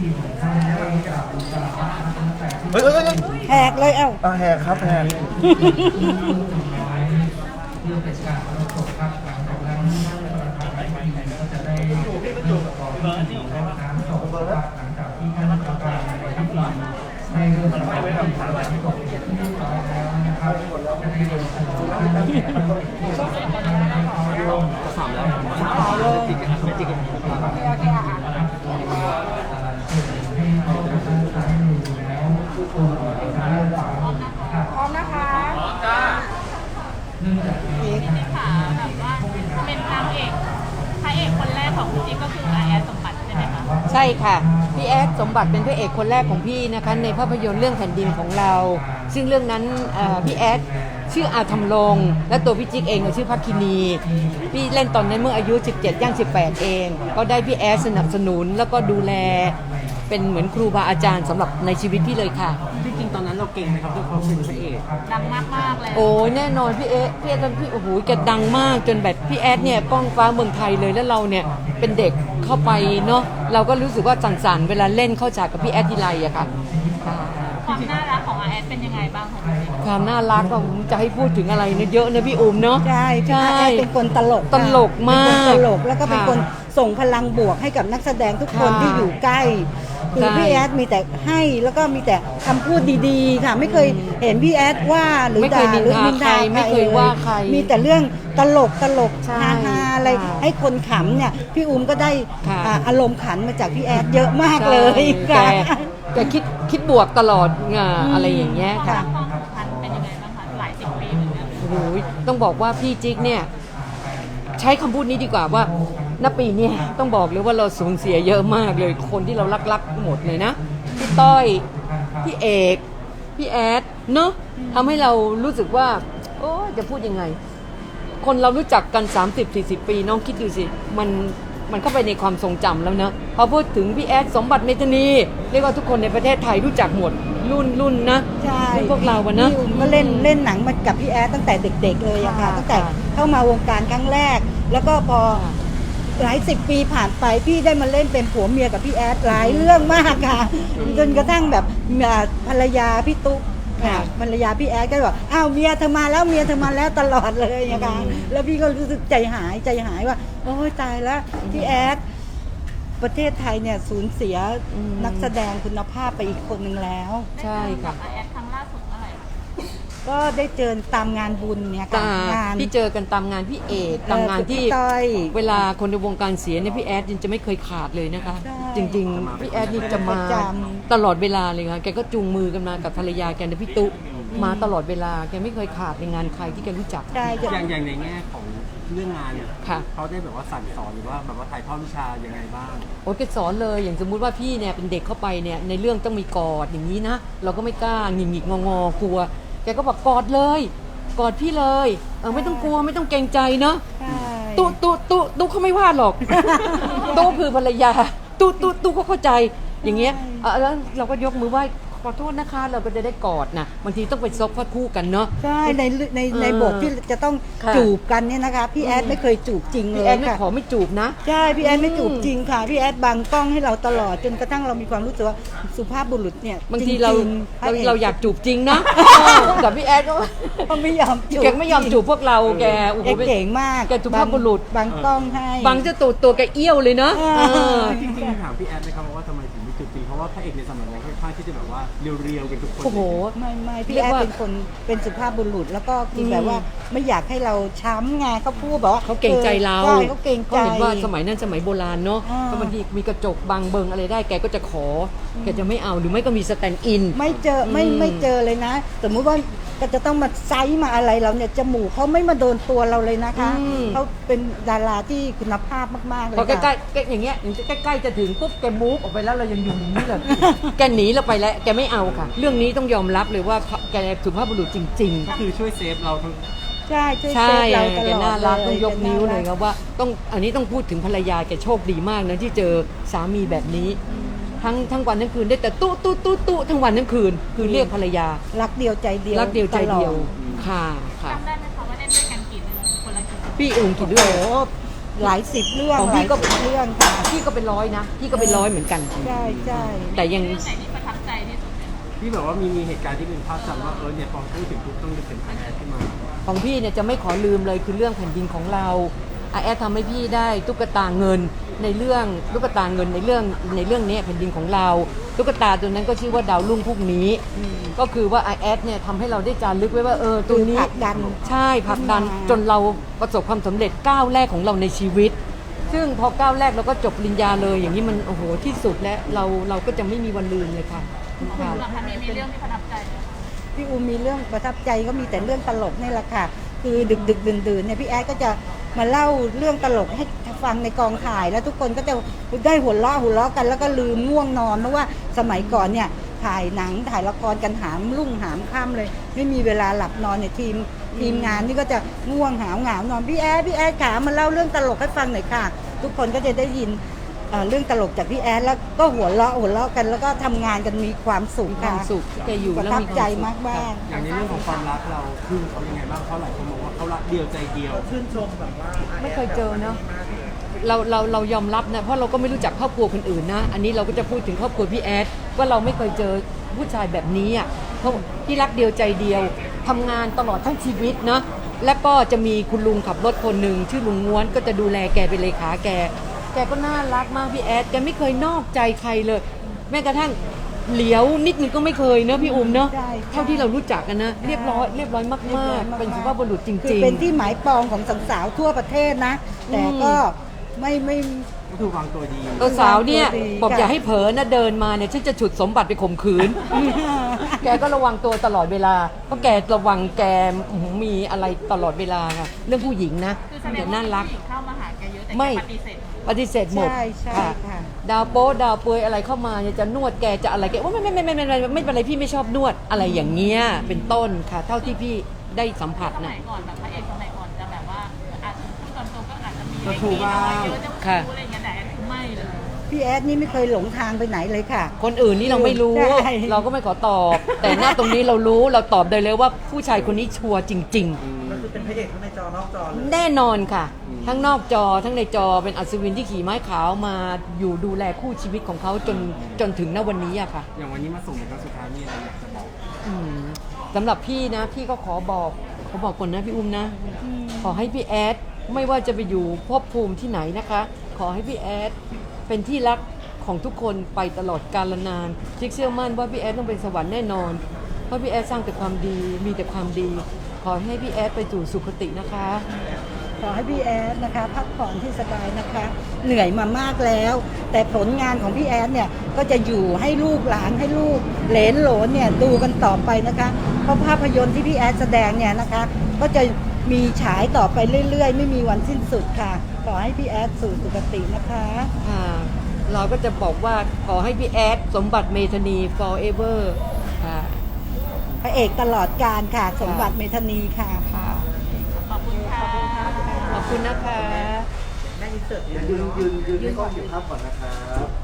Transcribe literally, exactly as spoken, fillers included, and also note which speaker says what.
Speaker 1: เฮ้ยเฮ้ยเฮ้ย
Speaker 2: แหกเลยเอ้า
Speaker 1: อ่ะแหกครับแหก
Speaker 3: สามแล้ว
Speaker 2: ต่อเลย พร้อมนะคะพร้อมจ้า
Speaker 4: ค่ะแบบว่าเป็นนางเอกพระเอกคนแรกของคุณจิ๊กก็คืออาแอดสมบัติใช่ไหมคะ
Speaker 2: ใช่ค่ะพี่แอดสมบัติเป็นพระเอกคนแรกของพี่นะคะในภาพยนตร์เรื่องแผ่นดินของเรา ซึ่งเรื่องนั้นเอ่อพี่แอดชื่ออาธรรมรงค์และตัวพี่จิ๊กเองก็ชื่อพักคินีพี่เล่นตอนนั้นเมื่ออายุสิบเจ็ดย่างสิบแปดเองก็ได้พี่แอดสนับสนุนแล้วก็ดูแลเป็นเหมือนครูบาอาจารย์สำหรับในชีวิตพี่เลยค่ะ
Speaker 3: จริงๆตอนนั้นเราเก่งไหมครับด้วยความเป็นพระเอก
Speaker 4: ดังมากๆเลย
Speaker 2: โอ้ยแน่นอนพี่เอ๊ะพี่แอดพี่โอ้โหแกดังมากจนแบบพี่แอดเนี่ยก้องฟ้าเมืองไทยเลยแล้วเราเนี่ยเป็นเด็กเข้าไปเนาะเราก็รู้สึกว่าสั่นๆเวลาเล่นเข้าฉากกับพี่แอดทีไรอะค่ะ
Speaker 4: ความน่ารักของอาแอดเป็นยังไงบ้างคะคุณจิ๊ก
Speaker 2: ความน่ารักก็จะให้พูดถึงอะไรเนอะเยอะนะพี่อุ้มเนาะ
Speaker 5: ใช่พี่อาแอดเป็นคนตลก
Speaker 2: ตลกมาก
Speaker 5: เป็นคนตลกแล้วก็เป็น
Speaker 2: ค่ะ
Speaker 5: คนส่งพลังบวกให้กับนักแสดงทุกคน
Speaker 2: ค่ะ
Speaker 5: ที่อยู่ใกล้คือ
Speaker 2: ใช่
Speaker 5: พี่แอดมีแต่ให้แล้วก็มีแต่คำพูดดีๆค่ะไม่เคยเห็นพี่แอดว่าหรือ
Speaker 2: ไม่เค
Speaker 5: ด่าย
Speaker 2: นิน
Speaker 5: หรือ
Speaker 2: ทา
Speaker 5: นินทา
Speaker 2: ใครไม่เคยว่าใคร
Speaker 5: มีแต่เรื่องตลกตลก
Speaker 2: ใช่
Speaker 5: ฮาฮาอะไร
Speaker 2: ค่ะ
Speaker 5: ให้คนขำเนี่ยพี่อุ้มก็ได้
Speaker 2: ค่ะ
Speaker 5: อ่าอารมณ์ขันมาจากพี่แอดเยอะมากเลย
Speaker 2: แก
Speaker 5: ค่ะ
Speaker 2: แกคิดคิดบวกตลอดไงอะไรอย่างเงี้ย
Speaker 4: ความ
Speaker 2: ค่ะ
Speaker 4: รักความสัมพันธ์เป็นยังไงบ้างคะหลายสิบปีเหมือนกัน
Speaker 2: โอ้โหต้องบอกว่าพี่จิ๊กเนี่ยใช้คำพูดนี้ดีกว่าว่าณปีเนี้ต้องบอกเลยว่าเราสูญเสียเยอะมากเลยคนที่เรารักๆหมดเลยนะพี่ต้อยพี่เอกพี่แอดเนาะทำให้เรารู้สึกว่าโอ้จะพูดยังไง คนเรารู้จักกัน สามสิบสี่สิบ ปีน้องคิดดูสิมันมันเข้าไปในความทรงจำแล้วนะพอพูดถึงพี่แอดสมบัติเมธานีเรียกว่าทุกคนในประเทศไทยรู้จักหมดรุ่นรุ่นนะ
Speaker 5: ใช่
Speaker 2: รุ่นพวกเราอะนะ
Speaker 5: พี่อุ้มก็เล่นเล่นหนังมากับพี่แอดตั้งแต่เด็ก ๆ เลยอะค่ะ
Speaker 2: ค่ะ
Speaker 5: ตั้งแต่เข้ามาวงการครั้งแรก แล้วก็พอหลายสิบปีผ่านไปพี่ได้มาเล่นเป็นผัวเมียกับพี่แอดหลายเรื่องมากค่ะจนกระทั่งแบบอ่าภรรยาพี่ตุ๊กค่ะภรรยาพี่แอดก็บอกอ้าวเมียเธอมาแล้วเมียเธอมาแล้วตลอดเลยนะคะแล้วพี่ก็รู้สึกใจหายใจหายว่าโอ้ยตายแล้วพี่แอดประเทศไทยเนี่ยสูญเสีย
Speaker 2: อืม
Speaker 5: นักแสดงคุณภาพไปอีกคนหนึ่งแล้ว
Speaker 2: ใช่ค่ะ
Speaker 4: อาแอดครั้งล่าสุดเมื่อไหร่คะ
Speaker 5: ก็ได้เจอตามงานบุญเนี่ยค่ะ
Speaker 2: ตาง
Speaker 5: าน
Speaker 2: ที่เจอกันตามงานพี่เอกตามงานที่
Speaker 5: พี่ต้อย
Speaker 2: เวลาคนในวงการเสียเนี่ยพี่แอดยังจะไม่เคยขาดเลยนะคะ
Speaker 5: ใช่
Speaker 2: จริงๆพี่แอดนี่จะมา
Speaker 5: ประจำ
Speaker 2: ตลอดเวลาเลยค่ะแกก็จูงมือกันมากับภรรยาแกนะพี่ตุ๊มาตลอดเวลาแกไม่เคยขาดในงานใครที่แกรู้จัก
Speaker 5: ใช่จะ
Speaker 3: อย่างอย่างในแง่ของเรื่องงานเนี่ย
Speaker 2: ค่ะ
Speaker 3: เขาได้แบบว่าสั่งสอนหรือว่าแบบว่าถ่ายทอดวิชายังไงบ้าง
Speaker 2: โอ้ยแกสอนเลยอย่างสมมุติว่าพี่เนี่ยเป็นเด็กเข้าไปเนี่ยในเรื่องต้องมีกอดอย่างนี้นะเราก็ไม่กล้าหงิกหงิกงองอกลัวแกก็บอกกอดเลยกอดพี่เลยเออไม่ต้องกลัวไม่ต้องเกรงใจเนาะ
Speaker 5: ใช่
Speaker 2: ตุ๊ตุ๊ตุ๊ตุ๊เขาไม่ว่าหรอก ตุ๊คือภรรยาตุ๊ตุ๊ตุ๊เขาเข้าใจอย่างเงี้ยเอ่อแล้วเราก็ยกมือไหว้ขอโทษนะคะ เราก็จะได้กอดนะบางทีต้องไปซบพัดคู่กันเนาะ
Speaker 5: ใช่ในในใน
Speaker 2: เออ
Speaker 5: บทที่จะต้อง
Speaker 2: ค่ะ
Speaker 5: จูบกันเนี่ยนะคะพี่แอดไม่เคยจูบจริงเล
Speaker 2: พี่
Speaker 5: ย
Speaker 2: แอนไม่
Speaker 5: ค่ะ
Speaker 2: ขอไม่จูบนะ
Speaker 5: ใช่พี่แอดไม่จูบ
Speaker 2: อืม
Speaker 5: จริงค่ะพี่แอดบังกล้องให้เราตลอดจนกระทั่งเรามีความรู้สึกว่าสุภาพบุรุษเนี่ย
Speaker 2: บางที
Speaker 5: จ
Speaker 2: เรา
Speaker 5: งๆ
Speaker 2: เรา
Speaker 5: พะ
Speaker 2: เราอยากจูบจริงนะแต่พี่แอดก็
Speaker 5: เขาไม่ยอมจูบ
Speaker 2: แกไม่ยอมจูบพวกเราแกโอ้โห
Speaker 5: แกเก่งมาก
Speaker 2: แกสุภาพบุรุษ
Speaker 5: บังกล้องให้
Speaker 2: บางเจ้าตัวตัวแกเอี้ยวเลยเนาะ
Speaker 5: เออ
Speaker 2: เออ
Speaker 3: จริงๆถามพี่แอดนะครับว่าทำไมถึงไม่จุดจริงเพราะว่าพระเอกในสมัยนั้นค่อนข้างที่จะแบบว่าเรียวๆกันทุกคน
Speaker 2: โอ้โห
Speaker 5: ไม่ไม่พี่
Speaker 2: เรียก
Speaker 5: แอด
Speaker 2: ว่า
Speaker 5: เป็นคนเป็นสุภาพบุรุษ แล้วก็คืออ
Speaker 2: ม
Speaker 5: แบบว่าไม่อยากให้เราช้ำไงเขาพูดแบบว่า
Speaker 2: เขาเก่งใจเรา
Speaker 5: ใช่เขาเก่งใจ
Speaker 2: เขาเห็นว่าสมัยนั้นสมัยโบราณเนาะ
Speaker 5: อ่า
Speaker 2: ก็บางทีมีกระจกบังเบิงอะไรได้แกก็จะขอแกจะไม่เอาหรือไม่ก็มีสแตนด์อิน
Speaker 5: ไม่เจอไม่
Speaker 2: อืม
Speaker 5: ไม่เจอเลยนะ สมมุติว่าก็จะต้องมาไซส์มาอะไรเราเนี่ยจมูกเขาไม่มาโดนตัวเราเลยนะคะเขาเป็นดาราที่คุณภาพมากๆเลย
Speaker 2: พอใกล้
Speaker 5: ค่ะ
Speaker 2: ๆแกอย่างเงี้ยอย่างใกล้ๆจะถึงปุ๊บแกมูฟออกไปแล้วเรายังอยู่อย่างนี้เลย แกหนีเราไปแล้วแกไม่เอาค่ะ เรื่องนี้ต้องยอมรับเลยว่าแกสุภาพบุรุษจริง
Speaker 3: ก็คือช่วยเซฟเราทั้ง
Speaker 5: ใช่ช่วย
Speaker 2: ๆ ใช่
Speaker 5: เซฟเราต
Speaker 2: แก
Speaker 5: ลอด
Speaker 2: น่ารัก
Speaker 5: เล
Speaker 2: ต้องยกนิ้วเลย
Speaker 5: แก
Speaker 2: ครับว่าต้องอันนี้ต้องพูดถึงภรรยาแกโชคดีมากนะที่เจอสามีแบบนี้ ทั้งทั้งวันทั้งคืนได้แต่ตู้ตู้ตู้ตู้ทั้งวันทั้งคืน คือเรียกภรรยา
Speaker 5: รักเดียวใจเดียว
Speaker 2: รักเดียวใจเดียว
Speaker 5: ตลอ
Speaker 2: ค่ะค่ะ
Speaker 4: จำได้ไหมคะว่าเล่นด้วยกันกี่เรื่องคนละกี่เรื่อง
Speaker 2: พี่เองกี่เรื่อง
Speaker 5: โอ้โหหลายสิบเรื่อง
Speaker 2: ของ
Speaker 5: ห
Speaker 2: พี่
Speaker 5: ลาย
Speaker 2: ก็
Speaker 5: สิบเรื่องค่ะ
Speaker 2: พี่ก็เป็นร้อยนะพี่ก็เป็นร้อยเหมือนกัน
Speaker 5: ใช่ใช่
Speaker 2: แต่ยัง
Speaker 4: เรื่องไหนที่ประทับใจที่สุดเนี่ย
Speaker 3: ที่แบบว่ามีมีเหตุการณ์ที่เป็นภาพจำว่าเออเนี่ยพอพูดถึงปุ๊บต้องนึกถึงอาแอดขึ้นมา
Speaker 2: ของพี่เนี่ยจะไม่ขอลืมเลยคือเรื่องแผ่นดินของเราอาแอดทำให้พี่ได้ตุ๊กตาเงินในเรื่องตุ๊กตาเงินในเรื่องในเรื่องนี้แผ่นดินของเราตุ๊กตาตัวนั้นก็ชื่อว่าดาวรุ่งพวกนี้ ก็คือว่าอาแอดเนี่ยทำให้เราได้จารึกไว้ว่าเออตัวนี้
Speaker 5: ผลักดัน
Speaker 2: ใช่ผลักดัน
Speaker 5: ขึ้นมา
Speaker 2: จนเราประสบความสำเร็จก้าวแรกของเราในชีวิต ซึ่งพอก้าวแรกเราก็จบปริญญาเลยอย่างนี้มันโอ้โหที่สุดและเราเราก็จะไม่มีวันลืมเลยค่ะ
Speaker 4: คุณหลักคะมีมีเรื่องที่ประทับใจไหมคะ
Speaker 5: พี่อูมีเรื่องประทับใจก็มีแต่เรื่องตลกนี่แหละค่ะ คือดึกดึกดื่นดื่นๆเนี่ยพี่แอดก็จะมาเล่าเรื่องตลกให้ฟังในกองถ่าย แล้วทุกคนก็จะได้หัวเราะหัวเราะกันแล้วก็ลืมง่วงนอนเพราะว่าสมัยก่อนเนี่ยถ่ายหนังถ่ายละครกันหามรุ่งหามค่ำเลย ไม่มีเวลาหลับนอนเนี่ยทีมทีมงานนี่ก็จะง่วงหาวหงาวนอนพี่แอดพี่แอดขามาเล่าเรื่องตลกให้ฟังหน่อยค่ะ ทุกคนก็จะได้ยินเอ่อเรื่องตลกจากพี่แอดแล้วก็หัวเราะหัวเราะกันแล้วก็ทำงานกันมีความสุข
Speaker 2: มีค
Speaker 5: ค่ะ
Speaker 2: วามสุขที่แกอยู่
Speaker 5: ประ
Speaker 2: แล้ว
Speaker 5: ทับ
Speaker 2: มีความ
Speaker 5: ใจ
Speaker 2: สุข
Speaker 5: มากมาก
Speaker 3: อย่างในเรื่องของความรักเราคือเขายังไงบ้างเพราะหลายคนบอกว่าเขารักเดียวใจเดียว
Speaker 1: ชื่นชมแบบว่า
Speaker 2: ไม่เคยเจอเนาะเราเราเรายอมรับนะเพราะเราก็ไม่รู้จักครอบครัวคนอื่นนะ อันนี้เราก็จะพูดถึงครอบครัวพี่แอดว่าเราไม่เคยเจอผู้ชายแบบนี้อ่ะเพราะที่รักเดียวใจเดียวทำงานตลอดทั้งชีวิตนะแล้วก็จะมีคุณลุงขับรถคนหนึ่งชื่อลุงง้วนก็จะดูแลแกเป็นเลขาแก แกก็น่ารักมากพี่แอดแกไม่เคยนอกใจใครเลย แม้กระทั่งเหลียวนิดนึงก็ไม่เคยเนอะพี่อุ้มเนอะ
Speaker 5: ใช่
Speaker 2: เท่าที่เรารู้จักกันนะเรียบร้อยเรียบร้อยมากๆเป็นสุภาพบุรุษจ
Speaker 5: คือ
Speaker 2: ริง
Speaker 5: เป็นที่หมายปองของสาวๆทั่วประเทศนะ แต่ก็ไม่ไม่
Speaker 3: ก็คือวางตัวดี
Speaker 2: ๆตัวสาวเนี่ย
Speaker 5: ตัวดี
Speaker 2: บอก
Speaker 5: ค่ะ
Speaker 2: อย่าให้เผลอนะเดินมาเนี่ยฉันจะฉุดสมบัติไปข่มขืน แกก็ระวังตัวตลอดเวลาเพราะแกระวังแกอื้อหือมีอะไรตลอดเวลาค่ะเรื่องผู้หญิงนะ
Speaker 4: คือแสด
Speaker 2: แก
Speaker 4: งว่า
Speaker 2: น่ารัก
Speaker 4: ผู้หญิงเข้ามาหาแกเยอะแต่
Speaker 2: ไม่
Speaker 4: แกปฏิเสธ
Speaker 2: ปฏิเสธหมด
Speaker 5: ใช่ใช่
Speaker 2: ค่ะ
Speaker 5: ค่ะ
Speaker 2: ดาวโป๊ดาวเปยอะไรเข้ามาเนี่ยจะนวดแกจะอะไรแกว่าไม่ไม่ไม่ไม่ไม่ไม่ไม่ไม่เป็นไรพี่ไม่ชอบนวดอะไรอย่างเงี้ยเป็นต้นค่ะ เท่าที่พี่ได้สัมผัส
Speaker 4: สมั
Speaker 2: นะ
Speaker 4: ยก่อนแบบพระเอกสมัยก่อนจะแบบว่าอาจจะพูดตามตรงก็อาจจะมี
Speaker 3: ก็ถูก
Speaker 4: เล็ก
Speaker 3: บ้าง
Speaker 4: น้อยเยอะจะ
Speaker 2: ค่ะ
Speaker 4: พูดอะไรอย่างเงี้ยแต่อันนี้คือไม่เลย
Speaker 5: พี่แอดนี่ไม่เคยหลงทางไปไหนเลยค่ะ
Speaker 2: คนอื่นนี่เราไม่รู้
Speaker 5: ใช่
Speaker 2: เราก็ไม่ขอตอบ แต่หน้าตรงนี้เรารู้เราตอบได้เลยว่าผู้ชายคนนี้ชัวร์จริง
Speaker 1: ก็คือเป็นพระเอกทั้งในจอนอกจอเลย
Speaker 2: ๆ แน่นอนค่ะ ทั้งนอกจอทั้งในจอเป็นอัศวินที่ขี่ไม้ขาวมาอยู่ดูแลคู่ชีวิตของเขาจนจนถึงณวันนี้อะค่ะ
Speaker 3: อย่างวันนี้มาส่งในครั้งสุดท้ายมีอะไรอยากจะบอก
Speaker 2: อืมสำหรับพี่นะพี่ก็ขอบอกขอบอกก่อนนะพี่อุ้มนะ ขอให้พี่แอดไม่ว่าจะไปอยู่ภพภูมิที่ไหนนะคะ ขอให้พี่แอดเป็นที่รักของทุกคนไปตลอดกาลนานจิกเชื่อมั่นว่าพี่แอดต้องเป็นสวรรค์แน่นอน เพราะพี่แอดสร้างแต่ความดีมีแต่ความดี ขอให้พี่แอดไปสู่สุคตินะคะ
Speaker 5: ขอให้พี่แอดนะคะพักผ่อนที่สบายนะคะ เหนื่อยมามากแล้ว แต่ผลงานของพี่แอดเนี่ยก็จะอยู่ให้ลูกหลานให้ลูกเหลนโหลนเนี่ยดูกันต่อไปนะคะ เพราะภาพยนตร์ที่พี่แอดแสดงเนี่ยนะคะ ก็จะมีฉายต่อไปเรื่อยๆ ไม่มีวันสิ้นสุดค่ะ ขอให้พี่แอดสู่สุคตินะคะ
Speaker 2: ค่ะ เราก็จะบอกว่าขอให้พี่แอดสมบัติเมธานี forever ค่ะ
Speaker 5: พระเอกตลอดการค่ะ สมบัติเมธานีค่ะค่ะ
Speaker 4: ขอบคุณค่ะ
Speaker 2: ขอบคุณนะคะ
Speaker 1: แม่อินเสิร์ตยืนยืนยืนให้กล้องเก็บภาพก่อนนะครับ